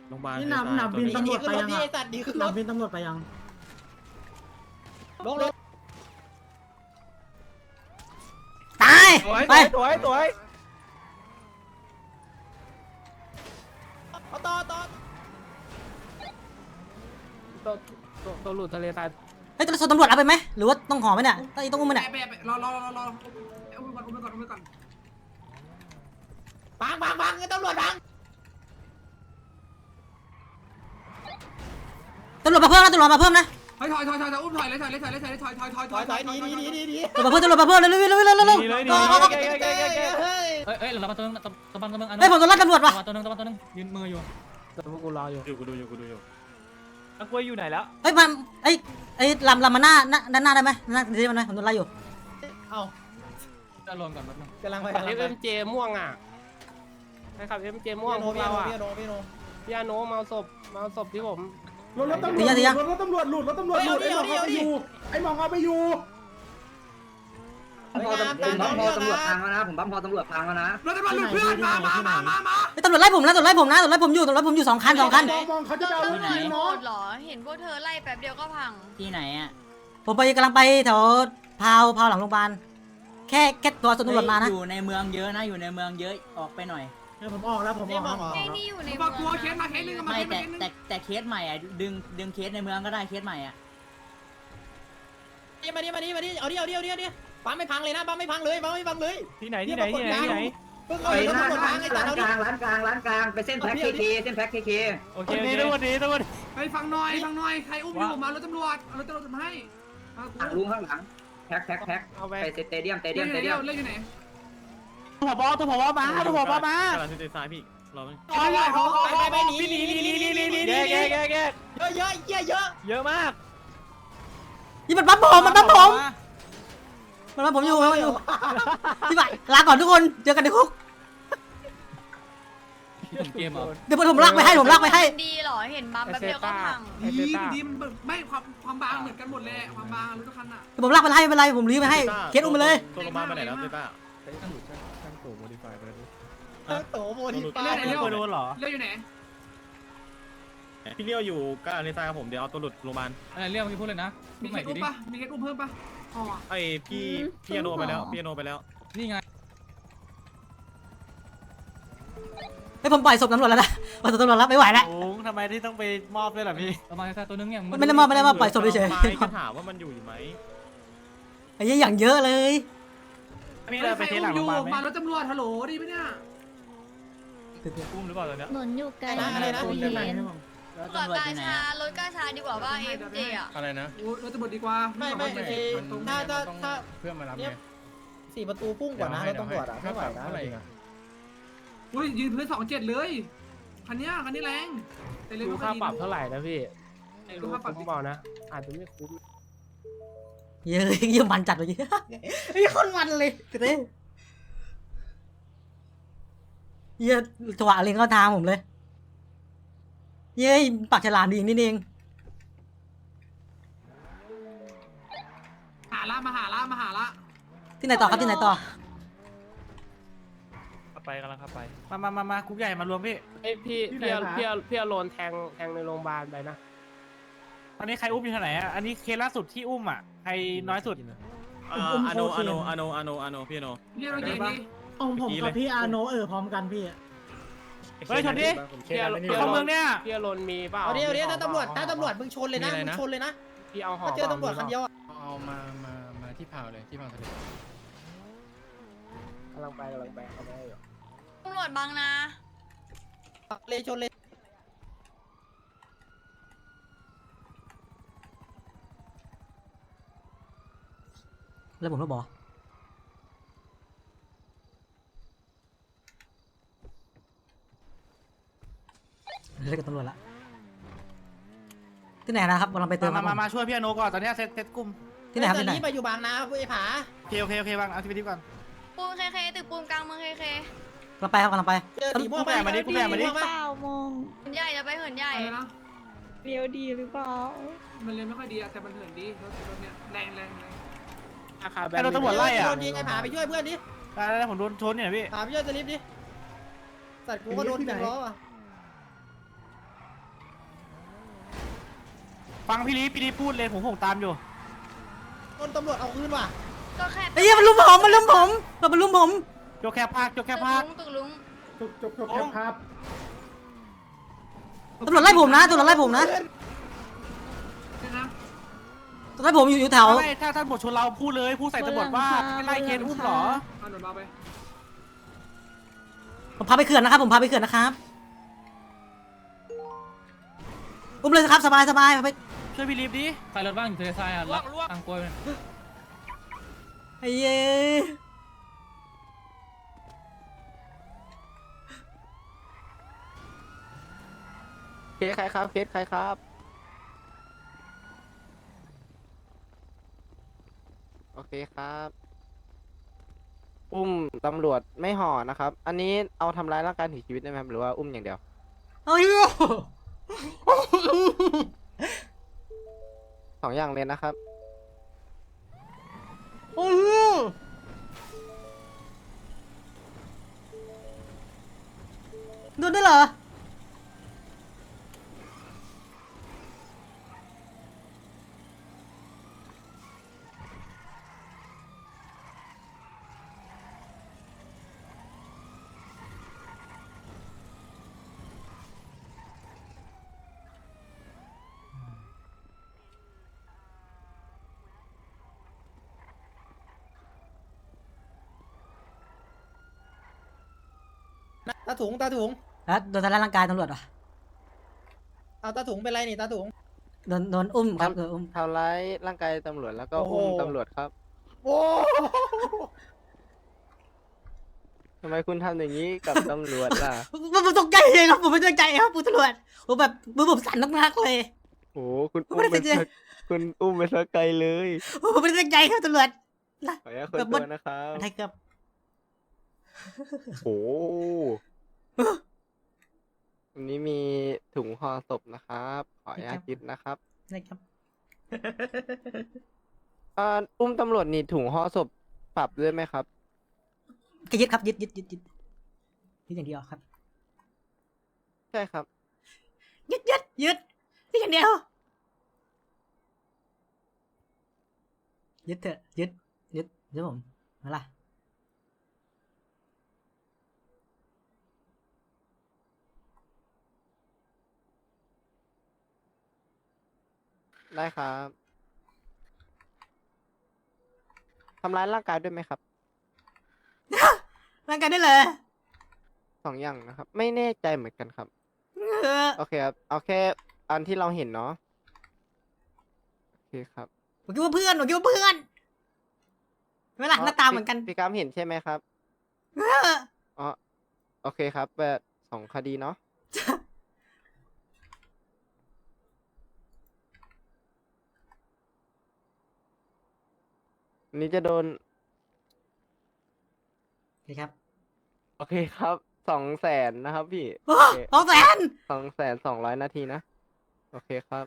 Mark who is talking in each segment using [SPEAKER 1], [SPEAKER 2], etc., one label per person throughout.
[SPEAKER 1] โรงพยาบาล
[SPEAKER 2] นี่หนับบินตำรวจไปยัง
[SPEAKER 3] ไอ้สัตว์ดีขึ้น
[SPEAKER 2] ห
[SPEAKER 3] ร
[SPEAKER 2] นับ
[SPEAKER 3] ถ
[SPEAKER 2] บินตำรวจไปยัง
[SPEAKER 3] ลงรถ
[SPEAKER 4] ตาย
[SPEAKER 5] ไป
[SPEAKER 4] ไป
[SPEAKER 5] สวย
[SPEAKER 3] เอาต่อ
[SPEAKER 5] ตัวหลุดทะเลทราย
[SPEAKER 4] เฮ้ยตำรวจเอาไปไหมหรือว่าต้องห่อไหมเนี่ยต้องอุ้มมันเนี่ย
[SPEAKER 6] รออุ้มไปก่อน
[SPEAKER 3] บังตำรวจบัง
[SPEAKER 4] ตำรวจมาเพิ่มนะตำรวจมาเพิ่มนะ
[SPEAKER 6] ถอยอุ้มถอยเลยถอย
[SPEAKER 3] ถอยดี
[SPEAKER 4] ตำรวจมาเพิ่มเร็วเร็วเร็วเร็ว
[SPEAKER 5] ดีเลย
[SPEAKER 3] เฮ้ย
[SPEAKER 7] เอ้ยเรามาตัวนึงตะบันตัวนึง
[SPEAKER 4] เฮ้ยผมโดนไล่ตำรวจว่ะ
[SPEAKER 7] ตัวนึงยืนมืออยู่
[SPEAKER 5] แต่พวกกูรออยู่
[SPEAKER 1] กูดูอยู่
[SPEAKER 5] นักกล้วยอยู่ไหนแล้ว
[SPEAKER 4] เฮ้ยมันไอ้ลำมาหน้าด้านหน้าได้ไหมหน้าดีมันไหมผมโดนไล่อยู่
[SPEAKER 3] เอา
[SPEAKER 7] จะรวมกันแป๊บนึง
[SPEAKER 3] กำลังไป
[SPEAKER 5] FMJ ม่วงอ่ะใช่ครับ FMJ ม่วงพวกเราอ่ะพี่อาโนเมาศพที่ผม
[SPEAKER 2] รถตำรวจรถตำรวจหลุดไอ้หมองเอาไปอยู่
[SPEAKER 3] ผมบังพอตำรวจพังแล้วนะ
[SPEAKER 6] รถตำรวจหลุดเพื่อนมา
[SPEAKER 4] ไอ้ตำรวจไล่ผมนะตำรวจไล่ผมอยู่2 คัน
[SPEAKER 2] มองเขาจะเอา
[SPEAKER 8] ไหนหมดหรอเห็นพวกเธอไล่แป๊บเดียวก็พัง
[SPEAKER 7] ที่ไหนอ่ะ
[SPEAKER 4] ผมกำลังไปแถวพาวหลังโรงพยาบาลแค่ตัวตำรวจมานะ
[SPEAKER 7] อยู่ในเมืองเยอะนะอยู่ในเมืองเยอะออกไปหน่อย
[SPEAKER 2] ผมออกแล้ว
[SPEAKER 8] ไอ้นี่อยู่ใน
[SPEAKER 6] มากลัวเคสมาเคสนึงมา
[SPEAKER 7] ไม่
[SPEAKER 6] เคสนึง
[SPEAKER 7] แต่เคสใหม่อ่ะดึงเคสในเมืองก็ได้เคสใหม่อ่ะ
[SPEAKER 3] มาดิเอาดิปั๊มไม่พังเลยนะปั๊มไม่พังเลย
[SPEAKER 5] ที่ไหน
[SPEAKER 3] เพิ่งเอาตำรวจพังไอ้สัตว์เอาดิ
[SPEAKER 9] ร้านกลางไปเส้นแพ็คเค
[SPEAKER 5] โอเคทุกวันนี้
[SPEAKER 6] ไปฟังหน่อยใครอุ้มอยู่มารถตำรวจมาให้
[SPEAKER 9] ลุงข้างหลังแพ็ค
[SPEAKER 5] เอาไป
[SPEAKER 9] ไปสเตเดียม
[SPEAKER 6] เล่นอยู่ไหน
[SPEAKER 5] ตัวผบมากำลังเซนซ้ายพี่รอไหม
[SPEAKER 3] ไปหนีแยก
[SPEAKER 5] เยอะมาก
[SPEAKER 4] นี่มันปั๊มผมอยู่พี่บ่ายลาก่อนทุกคนเจอกันในคุก
[SPEAKER 7] เกมเหรอ
[SPEAKER 4] เดี๋ยวผมลากไปให้
[SPEAKER 8] ดีหรอเห็นบัมแป๊บเดียวก็พัง
[SPEAKER 6] ดีไม่ความบางเหมือนกันหมดเลยความบางรถทุกคันอ่ะ
[SPEAKER 4] เดี๋ยวผมลากไปให้ไม่เป็นไรผมรีบไปให้เคสอุ้มไปเลย
[SPEAKER 1] ตัวโรงพยาบาลไปไหนแล้วเต้ต้า
[SPEAKER 3] ตั้งโตโมดิฟาย
[SPEAKER 6] เรื่อง
[SPEAKER 5] เหรอ
[SPEAKER 6] อยู่ไหน
[SPEAKER 1] พี่เลี้ยวอยู่กับอเนซ่าครับผมเดี๋ยวเอาตัวหลุดโรงพยาบาล
[SPEAKER 7] อะไรเรียกเมื่อกี้พูดเลยนะ
[SPEAKER 6] มีเคสอุ้มปะมีเคสอุ้มเพิ่มปะอ๋อ
[SPEAKER 1] ไอพี่อโนไปแล้วพี่อโนไปแล้ว
[SPEAKER 7] นี่ไง
[SPEAKER 4] ให้ผมปล่อยศพตำรวจแล้วนะปล่อยศพตำรวจแล้วไม่ไหวแล้ว
[SPEAKER 5] โอ้ทำไมที่ต้องไปมอบด้วยล่ะพี่
[SPEAKER 7] เรามาแค่ตัวนึงเนี่ย
[SPEAKER 4] ไม่ได้มอบปล่อยศพเฉย
[SPEAKER 1] ไม่ก็ถามว่ามันอยู่ไหม
[SPEAKER 4] ไอ้อย่างเยอะเลย
[SPEAKER 5] มีอะไรไปเทหลังโรงพยาบาลไหม
[SPEAKER 6] มารถตำรวจฮัลโหลดีไหมเนี่ย
[SPEAKER 5] อุ้มหรือเปล่าตอนเนี้ย
[SPEAKER 8] หนุนอยู่ไกล
[SPEAKER 3] อะไรนะ
[SPEAKER 8] รถ
[SPEAKER 7] ตำรวจอยู่ไหน
[SPEAKER 8] รถกาชาดีกว่าว่า FJ อ่ะ
[SPEAKER 1] อะไรนะ
[SPEAKER 6] รถตำรวจดีกว่า
[SPEAKER 3] ไม่ถ้า
[SPEAKER 1] เพื่อนมารับ
[SPEAKER 3] เนี่ย4 ประตูพุ่งกว่านะรถตำรวจไม่ไหวนะ
[SPEAKER 6] อุ้ยยืนพื้น27เลยคันนี้แรงแต่เลย
[SPEAKER 5] ดู
[SPEAKER 6] ไม่
[SPEAKER 5] ค่า
[SPEAKER 6] ดี
[SPEAKER 5] ปรับเท่าไหร่นะพี่ไม่รู้คุ้มเปล่านะอาจจะไม่คุ้ม
[SPEAKER 4] เยอะมันจัดเลยไอ้คนมันเลยเต้เยอะถวะเล็งเข้าทางผมเลยเย้ปากฉลามดีนี่เอง
[SPEAKER 6] หาละ
[SPEAKER 4] ที่ไหนต่อครับที่ไหนต่อ
[SPEAKER 5] ไปกำลังขับไปมาคุกใหญ่มารวมพี่เอ้พี่อโลนแทงในโรงพยาบาลไปนะตอนนี้ใครอุ้มอยู่ที่ไหนอ่ะอันนี้เคสล่าสุดที่อุ้มอ่ะใครน้อยสุด
[SPEAKER 1] อโนพี่อโน
[SPEAKER 6] เรียกเราเย็นดิ
[SPEAKER 2] ผมกับพี่อาโนพร้อมกันพี่
[SPEAKER 5] เฮ้ยชนดิเข้าเมืองเนี่ยพี่อโลนมีเปล่า
[SPEAKER 3] เอาดิถ้าตำรวจมึงชนเลยนะ
[SPEAKER 5] พี่เอาห่อ
[SPEAKER 3] ถ้าเจอตำรวจคันเดียว
[SPEAKER 7] เอามาที่พาวเลยที่พาวทะเล
[SPEAKER 5] กำลังไปเอาไปอยู่
[SPEAKER 8] ตำรวจบังนะ
[SPEAKER 3] เลยชนเลย
[SPEAKER 4] แล้วผมก็บอกเรียกตำรวจละที่ไหนนะครับกำลังไปเติม
[SPEAKER 5] มาช่วยพี่อโนก่อนตอนนี้เซตกลุ่ม
[SPEAKER 4] ที่ไหนครับที่ไหน
[SPEAKER 3] นี่ไปอยู่บางนาไอ้ผา
[SPEAKER 5] โอเควางเอาทีวีก่อน
[SPEAKER 8] ปูนเคตึกปูนกลางเมืองเค
[SPEAKER 4] กำลังไปครับกำลังไป
[SPEAKER 3] เจอสีม่วง
[SPEAKER 8] เหินใหญ่จะไปเหินใหญ่
[SPEAKER 6] อะไรนะ
[SPEAKER 8] เรียวดีหรือเปล่า
[SPEAKER 6] มันเลยไม่ค่อยดีแต่มันเหินดีรถเนี่ยแรง
[SPEAKER 5] ราคาแบนโดนตำรวจไล่อ่ะ
[SPEAKER 3] โดนยิงไอ้ผาไปช่วยเพื่อนดิ
[SPEAKER 5] ได้ผมโดนชนเนี่ยพี่
[SPEAKER 3] ผาไปช่วยสลิปดิสัตว์กูก็โดนยิงล้ออ่ะ
[SPEAKER 5] ฟังพี่ลีพูดเลยผมตามอยู่
[SPEAKER 3] ต้นตำรวจเอาคืนว่ะ
[SPEAKER 8] ก็แค่
[SPEAKER 4] ไอ้เหี้ยมันลุมผมมันลุมผม
[SPEAKER 5] โจกแค่ภาค
[SPEAKER 8] ตึกลุง
[SPEAKER 2] จบครับ
[SPEAKER 4] ตำรวจไล่ผมนะตำรวจไล่ผมนะ
[SPEAKER 6] เนี่ยนะ
[SPEAKER 4] ตำรวจไล่ผมอยู่แถว
[SPEAKER 5] ไม่ถ้าท่านบทชนเราพูดเลยพูดใส่ตำรวจว่าไม่ไล่เคสอุ้มหรอ
[SPEAKER 6] เอาหน่อยเบาไป
[SPEAKER 4] ผมพาไปเขื่อนนะครับอุ้มเลยครับสบายไป
[SPEAKER 5] ช่วยพี่ลีฟดิ
[SPEAKER 7] ใครรถบ้างอยู่ทะเลทรายอ่ะรับทางกล้วย
[SPEAKER 4] ไอ้เย้
[SPEAKER 3] เคสใครครับเคสใครครับโอเคครับอุ้มตำรวจไม่ห่อนะครับ อันนี้เอาทำร้ายร่างกายถึงชีวิตได้ไหมครับหรือว่าอุ้มอย่างเดียว
[SPEAKER 4] ไอ้เหี้ย
[SPEAKER 3] 2 อย่างเลยนะครับ
[SPEAKER 4] ไอ้เหี้ยโดนได้เหรอ
[SPEAKER 3] ตาถุง
[SPEAKER 4] แล้วโดนทำร้ายร่างกายตำรวจเหรอ
[SPEAKER 3] เอาตาถุงเป็นไรนี่ตาถุง
[SPEAKER 4] โดนอุ้มครับโดนอุ้ม
[SPEAKER 3] ทำร้ายร่างกายตำรวจแล้วก็อุ้มตำรวจครับ โอ้ทำไมคุณทำอย่างนี้กับตำรวจล่ะ
[SPEAKER 4] ผมตกใจเลยครับผมไม่ตั้งใจครับคุณตำรวจผมแบบมือผมสั่นมากๆเลย
[SPEAKER 3] โอ้คุณ
[SPEAKER 4] ผมไม่ได้ตั้งใจ
[SPEAKER 3] คุณอุ้มไปสักไกลเลย
[SPEAKER 4] ผมไม่ได้ตั้งใจครับตำรวจ
[SPEAKER 3] ขออนุญาตคนตัวนะครับ
[SPEAKER 4] อะไรครับ
[SPEAKER 3] โอ้วันนี้มีถุงห่อศพนะครับ ขออนุญาตยึดนะครับ
[SPEAKER 4] อะไรครับ
[SPEAKER 3] อุ้มตำรวจนี่ถุงห่อศพปรับด้วยไหมครับ
[SPEAKER 4] ก็ยึดครับยึดอย่างเดียวครับ
[SPEAKER 3] ใช่ครับ
[SPEAKER 4] ยึดอย่างเดียวยึดเถอะยึดผมมาล่ะ
[SPEAKER 3] ได้ครับทำร้ายร่างกายด้วยไหมครับ
[SPEAKER 4] ร่างกายได้เลย
[SPEAKER 3] 2 อย่างนะครับ ไม่แน่ใจเหมือนกันครับ โอเคครับ เอาแค่อันที่เราเห็นเนาะโอเคครับ
[SPEAKER 4] ผมคิดว่าเพื่อนเวลาหน้าตาเหมือนกัน
[SPEAKER 3] พี่กามเห็นใช่ไหมครับอ๋อโอเคครับแบบ2 คดีเนาะอันนี้จะโดน
[SPEAKER 4] โอเคครับ
[SPEAKER 3] โอเคครับ200,000นะครับพี่
[SPEAKER 4] 200,000
[SPEAKER 3] 200,200 นาทีนะ โอเคครับ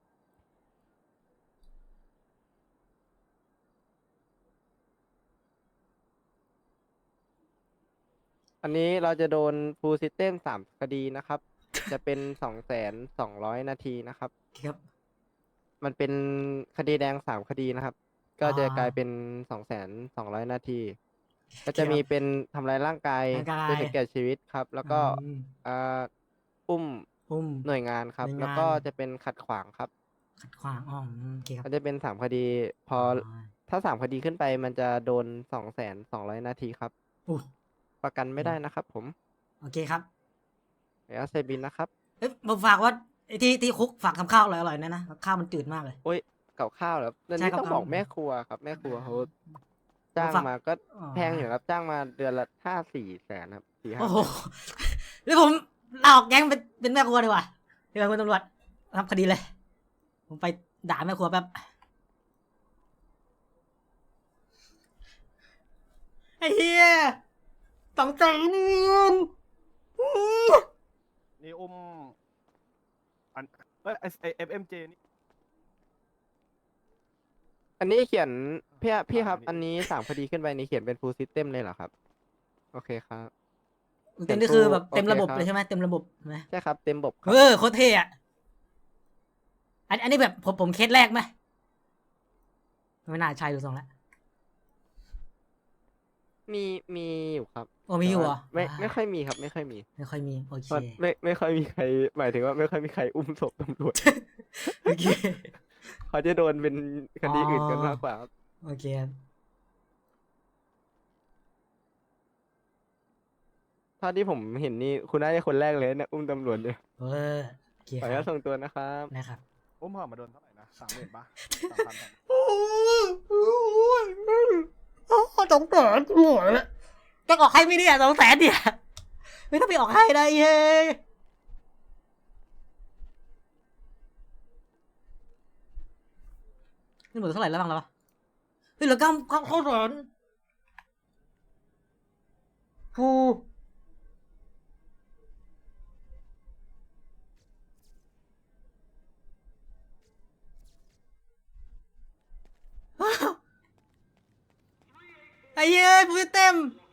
[SPEAKER 3] อันนี้เราจะโดน full system 3 คดีนะครับ จะเป็น 200,200 นาทีนะครับ
[SPEAKER 4] ครับ
[SPEAKER 3] มันเป็นคดีแดง3 คดีนะครับ ก็จะกลายเป็น 200,200 นาที ก็จะมีเป็นทำร้ายร่างกายจนถึงแก่ชีวิตครับ แล้วก็อุ้มหน่วยงานครับ แล้วก็จะเป็นขัดขวางครับ
[SPEAKER 4] ขัดขวางโอเคครับ
[SPEAKER 3] ก็จะเป็น3 คดี พอถ้า3 คดีขึ้นไปมันจะโดน 200,200 นาทีครับ ประกันไม่ได้นะครับผม
[SPEAKER 4] โอเคครับ
[SPEAKER 3] เดี๋ยวเซบินนะครับ
[SPEAKER 4] ผมฝากว่าที่คุกฝากทำข้าวอร่อยๆนะข้าวมันจืดมากเลย
[SPEAKER 3] โอ้ยกับข้าวเหรอเรื่อง
[SPEAKER 4] ใช่
[SPEAKER 3] นี้
[SPEAKER 4] กับ
[SPEAKER 3] ต้อง
[SPEAKER 4] ข้าว
[SPEAKER 3] บอกแม่ครัวครับ แม่ครัวเขาจ้าง
[SPEAKER 4] ฝาก
[SPEAKER 3] มาก็แพงอยู่ครับ จ้างมาเดือนละ4-5 แสนครับ4-5
[SPEAKER 4] โอ้โห
[SPEAKER 3] แสน
[SPEAKER 4] แล้วผมลาออกแก๊งเป็นแม่ครัวดีกว่าเดี๋ยวคุณตำรวจทำคดีเลย ผมไปด่าแม่ครัวแป๊บไอ้เหี้ยต้องใจเงิน
[SPEAKER 1] นี่อุ้มอันFMJ นี่
[SPEAKER 3] อันนี้เขียนพี่ครับ อันนี้3 คดีขึ้นไปนี่เขียนเป็น full system เลยเหรอครับ โอเคครับ
[SPEAKER 4] เต็มนี่คือแบบ
[SPEAKER 3] โอเค
[SPEAKER 4] เต็มระบบ
[SPEAKER 3] ครับ
[SPEAKER 4] เลยใช่ไหมเต็มระบบใช่ไหม
[SPEAKER 3] ใช่ครับ เต็มบบครับ
[SPEAKER 4] โคตรเท่อะอันนี้แบบผมเคสแรกไหมไม่น่าใช่ดูทรงแล้ว
[SPEAKER 3] มีอยู่ครับ
[SPEAKER 4] โอ้มีอยู่เหรอ
[SPEAKER 3] แต่ว่าไม่ค่อยมีครับ ไม่ค่อยมี
[SPEAKER 4] ไม่ค่อยมีโอเค
[SPEAKER 3] เพราะไม่ค่อยมีใคร หมายถึงว่าไม่ค่อยมีใครอุ้มศพตำรวจ
[SPEAKER 4] โอเค
[SPEAKER 3] เขาจะโดนเป็นคดีอื่นกันมากกว่าครับ
[SPEAKER 4] โอเคครับ
[SPEAKER 3] เท่าที่ผมเห็นนี่คุณน่าจะคนแรกเลยเนี่ยอุ้มตำรวจเนี่ย
[SPEAKER 4] เออโอเค
[SPEAKER 3] ขออ
[SPEAKER 4] ค
[SPEAKER 3] นุญา
[SPEAKER 4] รั
[SPEAKER 3] ต
[SPEAKER 4] บ
[SPEAKER 3] ส่งตัวนะครับ
[SPEAKER 4] นะครับ
[SPEAKER 1] อุ้มห่อมาโดนเท่าไหร่นะ30,000 ป่ะ 3,000
[SPEAKER 4] โอ้200,000กูหมดแล้วจะออกให้ไม่ได้200,000เนี่ยไม่ต้องไปออกให้ได้เฮ้ยนี่หมดเท่าไหร่แล้วบ้างแล้ววะเฮ้ยเหลือ900,000ฟู ไอ้เย้ยฟูเต็ม